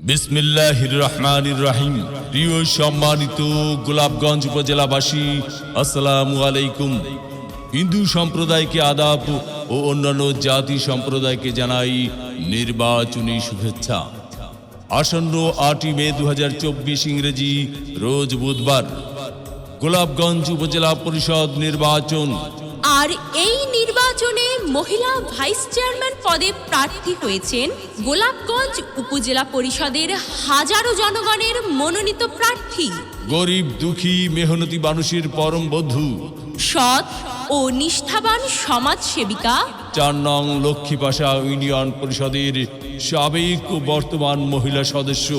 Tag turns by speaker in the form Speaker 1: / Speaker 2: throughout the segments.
Speaker 1: বিসমিল্লাহির রহমানির রহিম। প্রিয় সম্মানিত গোলাপগঞ্জ উপজেলাবাসী, আসসালামু আলাইকুম। হিন্দু সম্প্রদায়কে আদাব ও অন্যান্য জাতি সম্প্রদায়কে জানাই নির্বাচনী শুভেচ্ছা। আসন্ন 8 মে 2024 ইংরেজি রোজ বুধবার গোলাপগঞ্জ উপজেলা পরিষদ নির্বাচন।
Speaker 2: আর এই নির্বাচনে মহিলা ভাইস চেয়ারম্যান পদে প্রার্থী হয়েছেন গোলাপগঞ্জ উপজেলা পরিষদের হাজারো জনগণের মনোনীত প্রার্থী,
Speaker 1: গরিব দুঃখী মেহনতি মানুষের পরম বন্ধু,
Speaker 2: সৎ ও নিষ্ঠাবান সমাজসেবিকা,
Speaker 1: 4 নং লক্ষ্মীপাশা ইউনিয়ন পরিষদের সাবেক ও বর্তমান মহিলা সদস্য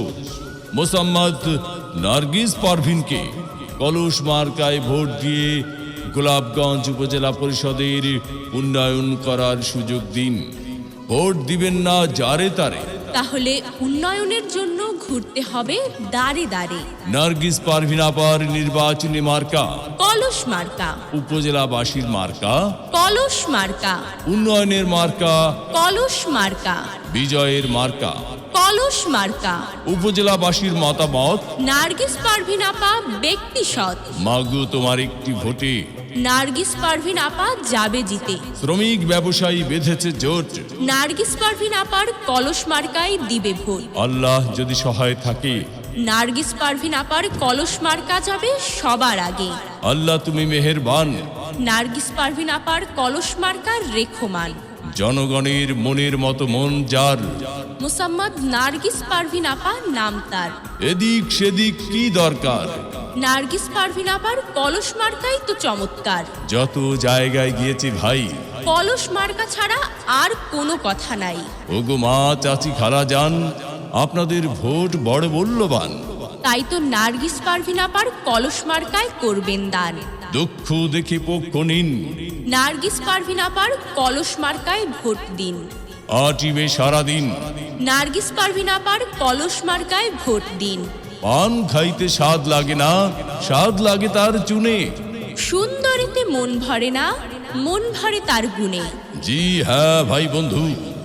Speaker 1: মোসাম্মদ নার্গিস পারভিনকে কলস মার্কায় ভোট দিয়ে গোলাপগঞ্জ উপজেলা পরিষদের উন্নয়ন করার সুযোগ দিন। ভোট দিবেন না যারে তারে,
Speaker 2: তাহলে উন্নয়নের জন্য ঘুরতে হবে দাঁড়ে দাঁড়ে।
Speaker 1: নার্গিস পারভিন আপার নির্বাচনী মার্কা
Speaker 2: কলস মার্কা,
Speaker 1: উপজেলাবাসীর মার্কা
Speaker 2: কলস মার্কা,
Speaker 1: উন্নয়নের মার্কা
Speaker 2: কলস মার্কা,
Speaker 1: বিজয়ের মার্কা।
Speaker 2: কলস মার্কা।
Speaker 1: উপজেলাবাসীর মতামত,
Speaker 2: নার্গিস পারভিন আপা ব্যক্তি সৎ,
Speaker 1: মাগো তোমার একটি ভোটে
Speaker 2: নার্গিস পারভিন আপা যাবে জিতে।
Speaker 1: শ্রমিক ব্যবসায়ী বেঁধেছে জোট,
Speaker 2: নার্গিস পারভিন আপার কলস মার্কায় দিবে ভোট।
Speaker 1: আল্লাহ যদি সহায় থাকে,
Speaker 2: নার্গিস পারভিন আপার কলস মার্কা যাবে সবার আগে।
Speaker 1: আল্লাহ তুমি মেহেরবান।
Speaker 2: নার্গিস পারভিন আপার কলস মার্কার রেখমান।
Speaker 1: জনগণের মনের মতো মন যার,
Speaker 2: মোসাম্মদ নার্গিস পারভিন আপা নাম তার।
Speaker 1: এদিক সেদিক কি দরকার,
Speaker 2: নার্গিস পারভিন আপার কলস মার্কাই তো চমৎকার।
Speaker 1: যত জায়গায় গিয়েছি ভাই,
Speaker 2: কলস মার্কা ছাড়া আর কোনো কথা নাই।
Speaker 1: ওগো মা চাচি খালা যান, আপনাদের ভোট বড় মূল্যবান।
Speaker 2: তাই তো নার্গিস পারভিন আপার কলস মার্কায় করবেন দান।
Speaker 1: দুঃখ দেখে পক্ষ নিন,
Speaker 2: নার্গিস পারভিন আপার কলস মার্কায় ভোট দিন।
Speaker 1: আটিবে সারাদিন,
Speaker 2: নার্গিস পারভিন আপার কলস মার্কায় ভোট দিন।
Speaker 1: পান খাইতে স্বাদ লাগে না, স্বাদ লাগে তার চুনে।
Speaker 2: সুন্দরীতে মন ভরে না, মন ভরে তার গুণে।
Speaker 1: জি হ্যাঁ ভাই বন্ধু,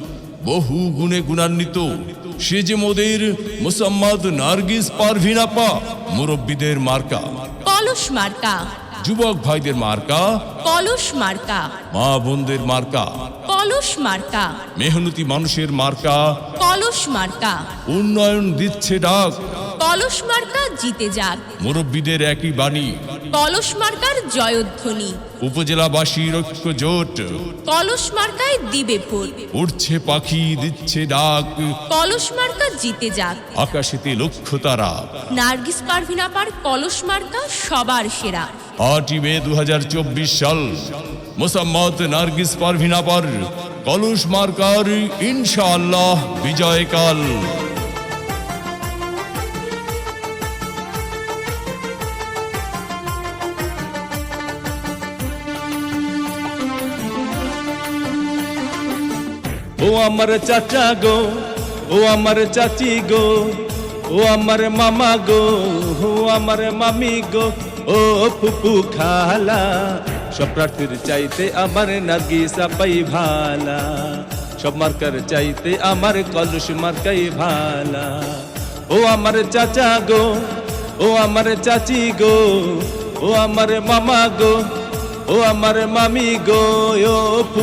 Speaker 1: বহু গুণে গুণান্বিত সে যে মোদের মোসাম্মদ নার্গিস পারভিন আপা। মুরব্বীদের মার্কা
Speaker 2: কলস মার্কা,
Speaker 1: যুবক ভাইদের মার্কা
Speaker 2: কলস মার্কা,
Speaker 1: মা বোনদের মার্কা,
Speaker 2: কলস মার্কা,
Speaker 1: মেহনতি মানুষের মার্কা।
Speaker 2: কলস মার্কা।
Speaker 1: উন্নয়ন দিচ্ছে ডাক,
Speaker 2: কলস মার্কা জিতে যাক।
Speaker 1: মুরব্বীদের একই বাণী,
Speaker 2: কলস মার্কার জয়ধ্বনি।
Speaker 1: উপজেলাবাসীর ঐক্য জোট,
Speaker 2: কলস মার্কায় দিবে ভোট।
Speaker 1: উড়ছে পাখি দিচ্ছে ডাক,
Speaker 2: কলস মার্কা জিতে যাক।
Speaker 1: আকাশেতে লক্ষ্য তারা।
Speaker 2: নার্গিস পারভিন আপার কলস মার্কা সবার সেরা।
Speaker 1: 8 মে 2024 সাল মোসাম্মদ নার্গিস পারভিন আপার কলস মার্কার ইনশাআল্লাহ বিজয়কাল।
Speaker 3: ও আমার চাচা গো, ও আমার চাচি গো, ও আমার মামা গো, ও আমার মামি গো, ও ফুপু খালা, সব প্রার্থীর চাইতে আমার নার্গিস আপাই ভালা। সব মার্কার চাইতে আমার কলস মার্কাই ভালা। ও আমার চাচা গো, ও আমার চাচি গো, ও আমার মামা গো, ও আমার মামি গো, ও